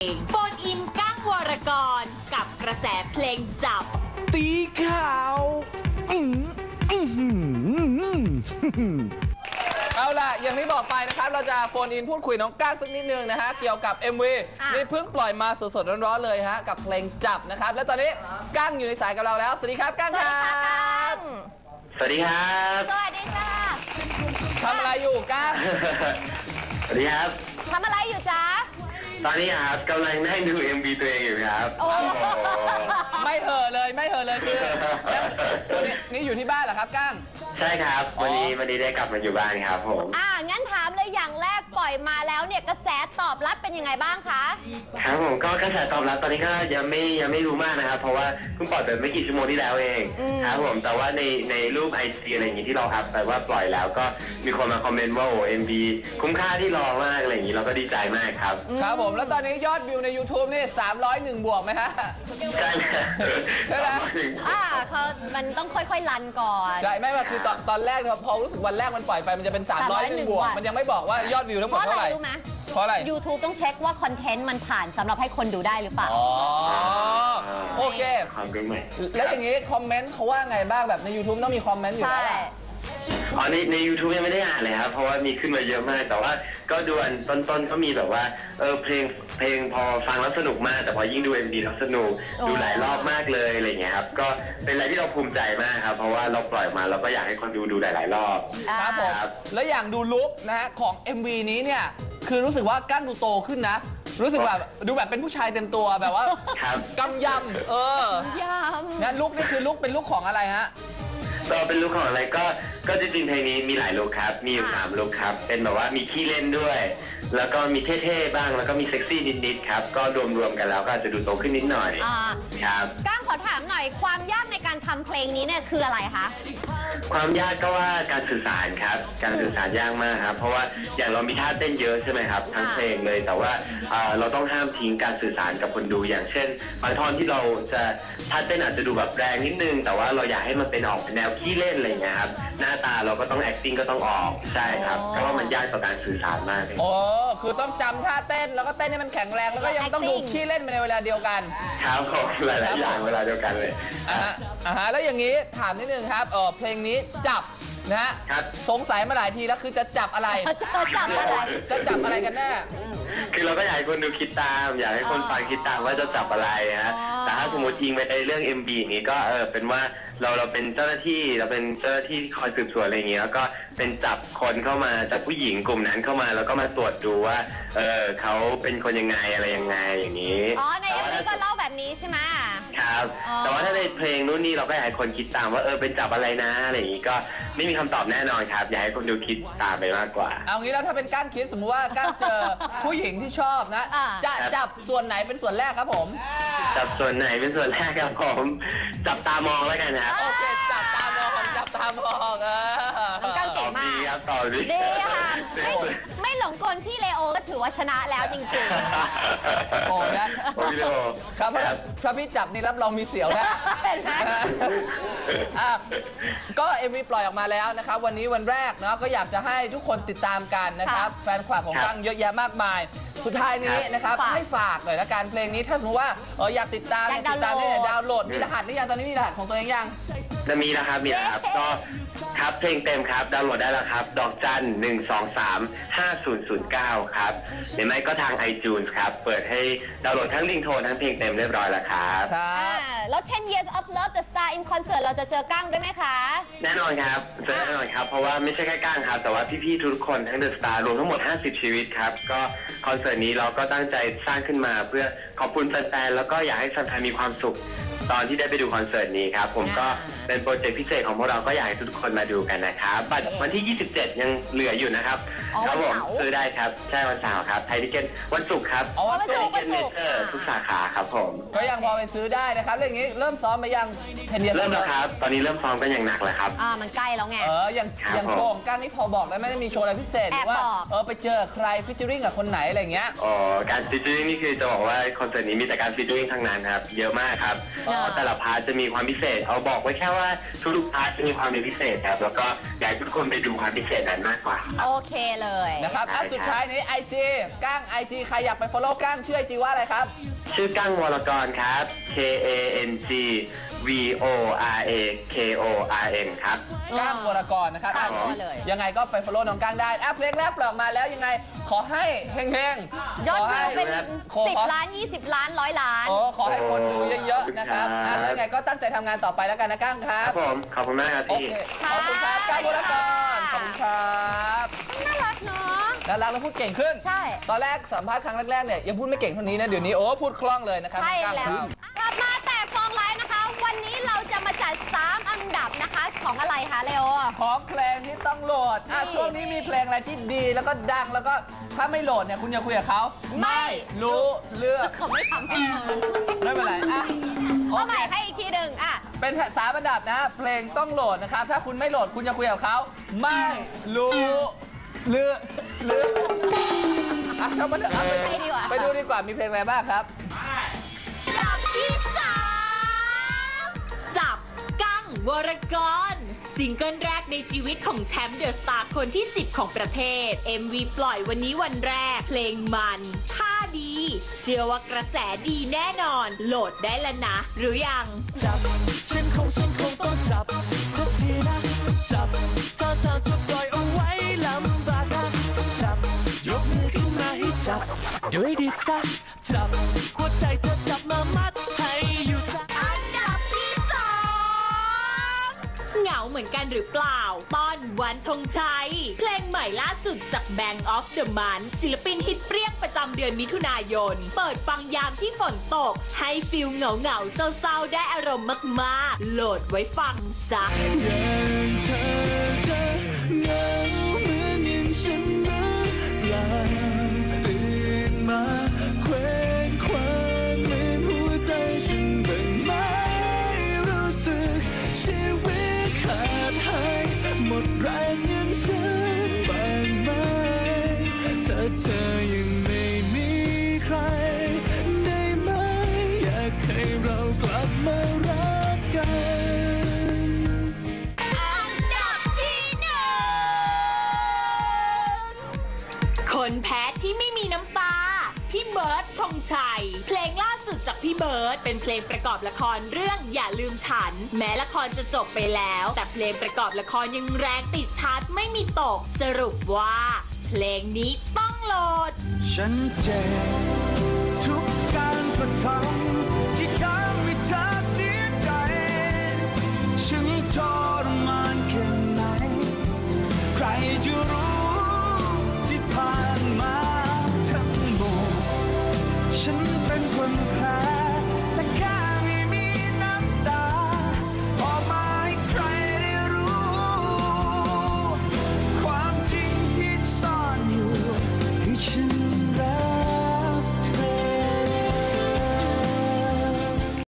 โฟนอินก้างวรกรกับกระแสเพลงจับตีข่าวเอาล่ะอย่างที่บอกไปนะครับเราจะโฟนอินพูดคุยน้องก้างสักนิดนึงนะฮะเกี่ยวกับ MV นี่เพิ่งปล่อยมาสดๆร้อนๆเลยฮะกับเพลงจับนะครับและตอนนี้ก้างอยู่ในสายกับเราแล้วสวัสดีครับก้างครับสวัสดีครับสวัสดีค่ะทำอะไรอยู่ก้างสวัสดีครับทำอะไรอยู่จ๊ะตอนนี้ครับกำลังนั่งดู MV ตัวเองอยู่ครับโอ้ไม่เห่อเลยคือนี่อยู่ที่บ้านเหรอครับก้างใช่ครับวันนี้ได้กลับมาอยู่บ้านครับผมงั้นถามเลยอย่างแรกปล่อยมาแล้วเนี่ยกระแสตอบรับเป็นยังไงบ้างคะครับผมก็กระแสตอบรับตอนนี้ก็ยังไม่รู้มากนะครับเพราะว่าเพิ่งปล่อยไปไม่กี่ชั่วโมงที่แล้วเองครับผมแต่ว่าในรูป IG อะไรอย่างงี้ที่เราอัพไปว่าปล่อยแล้วก็มีคนมาคอมเมนต์ว่าโอ้ MV คุ้มค่าที่รอมากอะไรอย่างงี้เราก็ดีใจมากครับครับผมแล้วตอนนี้ยอดวิวใน YouTube นี่301 บวกไหมฮะใช่ไหมมันต้องค่อยๆรันก่อนใช่ไม่ว่าคือตอนแรกพอรู้สึกวันแรกมันปล่อยไปมันจะเป็น301 บวกมันยังไม่บอกว่ายอดวิวทั้งหมดเท่าไหร่เพราะอะไร YouTube ต้องเช็คว่าคอนเทนต์มันผ่านสำหรับให้คนดูได้หรือเปล่าโอเคแล้วอย่างนี้คอมเมนต์เขาว่าไงบ้างแบบใน YouTube ต้องมีคอมเมนต์อยู่แล้วใน YouTube ยังไม่ได้อ่านเลยครับเพราะว่ามีขึ้นมาเยอะมากแต่ว่าก็ดูอันต้นก็มีแบบว่าเพลงพอฟังแล้วสนุกมากแต่พอยิ่งดู MV แล้วสนุกดูหลายรอบมากเลยอะไรเงี้ยครับก็เป็นอะไรที่เราภูมิใจมากครับเพราะว่าเราปล่อยมาเราก็อยากให้คนดูหลายๆรอบครับผมแล้วอย่างดูลุคนะฮะของ MV นี้เนี่ยคือรู้สึกว่าก้านดูโตขึ้นนะรู้สึกแบบดูแบบเป็นผู้ชายเต็มตัวแบบว่ากำยำยำงั้นลุคนี่คือลุคเป็นลุคของอะไรฮะก็เป็นลุคของอะไรก็จริงๆเพลงนี้มีหลายลุคครับมีอยู่3ลุคครับเป็นแบบว่ามีขี้เล่นด้วยแล้วก็มีเท่ๆบ้างแล้วก็มีเซ็กซี่นิดๆครับก็รวมๆกันแล้วก็อาจจะดูโตขึ้นนิดหน่อยครับก้างขอถามหน่อยความยากในการทำเพลงนี้เนี่ยคืออะไรคะความยากก็ว่าการสื่อสารครับการสื่อสารยากมากครับเพราะว่าอย่างเรามีท่าเต้นเยอะใช่ไหมครับทั้งเพลงเลยแต่ว่าเราต้องห้ามทิ้งการสื่อสารกับคนดูอย่างเช่นบางท่อนที่เราจะท่าเต้นอาจจะดูแบบแรงนิดนึงแต่ว่าเราอยากให้มันเป็นออกแนวขี้เล่นอะไรอย่างเงี้ยครับหน้าตาเราก็ต้อง acting ก็ต้องออกใช่ครับก็ว่ามันยากต่อการสื่อสารมากเลยคือต้องจำท่าเต้นแล้วก็เต้นให้มันแข็งแรงแล้วก็ยังต้องดูขี้เล่นไปในเวลาเดียวกันครับผมหลายๆอย่างเวลาเดียวกันเลยแล้วอย่างนี้ถามนิดนึงครับเพลงนี้จับนะฮะสงสัยมาหลายทีแล้วคือจะจับอะไรจะจับอะไรกันแน่คือเราก็อยากให้คนดูคิดตามอยากให้คนฟังคิดตามว่าจะจับอะไรฮะแต่ถ้าสมมติยิงไปในเรื่อง MB อย่างนี้ก็เป็นว่าเราเป็นเจ้าหน้าที่เราเป็นเจ้าหน้าที่คอยสืบสวนอะไรอย่างเงี้ยแล้วก็เป็นจับคนเข้ามาจับผู้หญิงกลุ่มนั้นเข้ามาแล้วก็มาตรวจดูว่าเขาเป็นคนยังไงอะไรยังไงอย่างนี้ใน MB ก็เล่าแบบนี้ใช่ไหมครับแต่ว่าถ้าในเพลงนู้นนี่เราก็อยากให้คนคิดตามว่าเป็นจับอะไรนะอะไรอย่างนี้ก็ไม่มีคำตอบแน่นอนครับอยากให้คนดูคิดตามไปมากกว่าเอางี้แล้วถ้าเป็นก้างคิดสมมุติว่าก้างเจอผู้หญิงที่ชอบนะจะจับส่วนไหนเป็นส่วนแรกครับผมจับส่วนไหนเป็นส่วนแรกครับผมจับตามองแล้วกันนะโอเคจับตามองน้องก้างเก่งมากครับต่อดีค่ะไม่หลงกลพี่เลโอก็ถือว่าชนะแล้วจริงๆโอ้นะพี่เลโอครับพระพี่จับนี่รับรองมีเสียวนะก็ MV ปล่อยออกมาแล้วนะครับวันนี้วันแรกเนาะก็อยากจะให้ทุกคนติดตามกันนะครับแฟนคลับของก้างเยอะแยะมากมายสุดท้ายนี้นะครับให้ฝากหน่อยละกันเพลงนี้ถ้าสมมติว่าอยากติดตามได้ดาวน์โหลดมีรหัสหรือยังตอนนี้มีรหัสของตัวเองยังจะมีนะครับก็ครับเพลงเต็มครับดาวน์โหลดได้แล้วครับดอกจัน1235009ครับหรือไม่ก็ทาง iTunes ครับเปิดให้ดาวน์โหลดทั้งลิงโทนทั้งเพลงเต็มเรียบร้อยแล้วครับแล้ว 10 Years of Love the Star in Concert เราจะเจอก้างด้วยไหมคะแน่นอนครับเจอแน่นอนครับเพราะว่าไม่ใช่แค่ก้างครับแต่ว่าพี่ๆทุกคนทั้ง The Star รวมทั้งหมด50ชีวิตครับก็คอนเสิร์ตนี้เราก็ตั้งใจสร้างขึ้นมาเพื่อขอบคุณแฟนๆแล้วก็อยากให้แฟนๆมีความสุขตอนที่ได้ไปดูคอนเสิร์ตนี้ครับผมก็เป็นโปรเจกต์พิเศษของพวกเราก็อยากให้ทุกคนมาดูกันนะครับบัตรวันที่27ยังเหลืออยู่นะครับครับผมซื้อได้ครับใช่วันเสาร์ครับไทยทิเก็ตวันศุกร์ครับวันศุกร์เมเจอร์ทุกสาขาครับผมก็ยังพอไปซื้อได้นะครับเรื่องนี้เริ่มซ้อมไปยังเริ่มแล้วครับตอนนี้เริ่มซ้อมกันอย่างหนักเลยครับมันใกล้แล้วไงอย่างโชว์ของก้างนี่พอบอกได้ไหมมีโชว์อะไรพิเศษหรือว่าไปเจอใครฟิชเจอริ่งกับคนไหนอะไรเงี้ยการฟิชเจอริ่งนี่คือจะบอกว่าคอนเสิร์ตนี้มีแต่การฟิชเจอริ่งทั้งนั้นครับเยอะมากครับเพราะแต่ละพาร์ทจะมีความพิเศษเอาบอกไว้แค่ว่าทุกๆพาร์ทจะมีความเป็นพิเศษครับแล้วก็อยากให้ทุกคนไปดูความพิเศษนั้นมากกว่าครับโอเคเลยนะครับสุดท้ายนี้ IG ก้าง IG ใครอยากไป follow ก้างชื่อ IG ว่าอะไรครับชื่อกั้งวรกรครับ KANGVORAKORN ครับก้างวรกรนะครับตามตัวเลยยังไงก็ไป follow น้องก้างได้เพลงแรกปล่อยออกมาแล้วยังไงขอให้เฮงๆยอดวิวเป็นขอให้ 10 ล้าน 20 ล้าน 100 ล้านขอให้คนดูเยอะๆนะครับแล้วยังไงก็ตั้งใจทำงานต่อไปแล้วกันนะก้างครัครับ บผมขอบคุณมากครับโอพี่เคขอบคุณครับก้างวรกรขอบคุณครับน่ารักเนาะน่ารักแล้วพูดเก่งขึ้นใช่ตอนแรกสัมภาษณ์ครั้งแรกๆเนี่ยยังพูดไม่เก่งเท่านี้นะเดี๋ยวนี้พูดคล่องเลยนะครับใช่ก้างแล้วครับกลับมาแต่ฟองไลฟ์นะคะ วันนี้เราจะมาจัด 3 อันดับนะคะของอะไรคะเลโอของเพลงที่ต้องโหลดช่วงนี้มีเพลงอะไรที่ดีแล้วก็ดังแล้วก็ถ้าไม่โหลดเนี่ยคุณอย่าคุยกับเขาไม่รู้เรื่องเขาไม่ทำให้เธอไม่เป็นไรโอเอาเคใหม่ให้อีกทีหนึ่งเป็น3 อันดับนะเพลงต้องโหลดนะครับถ้าคุณไม่โหลดคุณจะคุยกับเขาไม่รู้เรื่องชอบมาเถอะไปดูดีกว่ามีเพลงอะไรบ้างครับอันดับที่ 3 จับกั้งวรกรซิงเกิลแรกในชีวิตของแชมป์เดอะสตาร์คนที่ 10 ของประเทศ MV ปล่อยวันนี้วันแรก เพลงมันท่าดี เชื่อว่ากระแสดีแน่นอน โหลดได้แล้วนะ หรือยังจับฉันคงต้องจับสักทีนะจับถ้าเธอจะปล่อยเอาไว้ลำบากนะจับยกมือขึ้นมาให้จับด้วยดีสักจับหัวใจเธอจับมามัดให้อยู่สักอันดับที่ 2 เหงาเหมือนกันหรือเปล่า ป้อนวันธงชัย เพลงใหม่ล่าสุดจาก Bank of the Month ศิลปินฮิตเปรี้ยงประจำเดือนมิถุนายน เปิดฟังยามที่ฝนตก ให้ฟิลเหงาๆเศร้าๆได้อารมณ์มากๆ โหลดไว้ฟังซะอย่างเธอเหงาเหมือนอย่างฉันหรือเปล่าตื่นมาเคว้งคว้างเหมือนหัวใจฉันบ้างไหมรู้สึกชีวิตขาดหายหมดแรงอย่างฉันบ้างไหมถ้าเธอยังไม่มีใครได้ไหมอยากให้เรากลับมารักกันอันดับที่ 1 คนแพ้ที่ไม่มีน้ำตา พี่เบิร์ดธงชัย เพลงล่าสุดจากพี่เบิร์ดเป็นเพลงประกอบละครเรื่องอย่าลืมฉัน แม้ละครจะจบไปแล้ว แต่เพลงประกอบละครยังแรงติดชาร์ตไม่มีตก สรุปว่า เพลงนี้ต้องโหลดฉันเจ็บ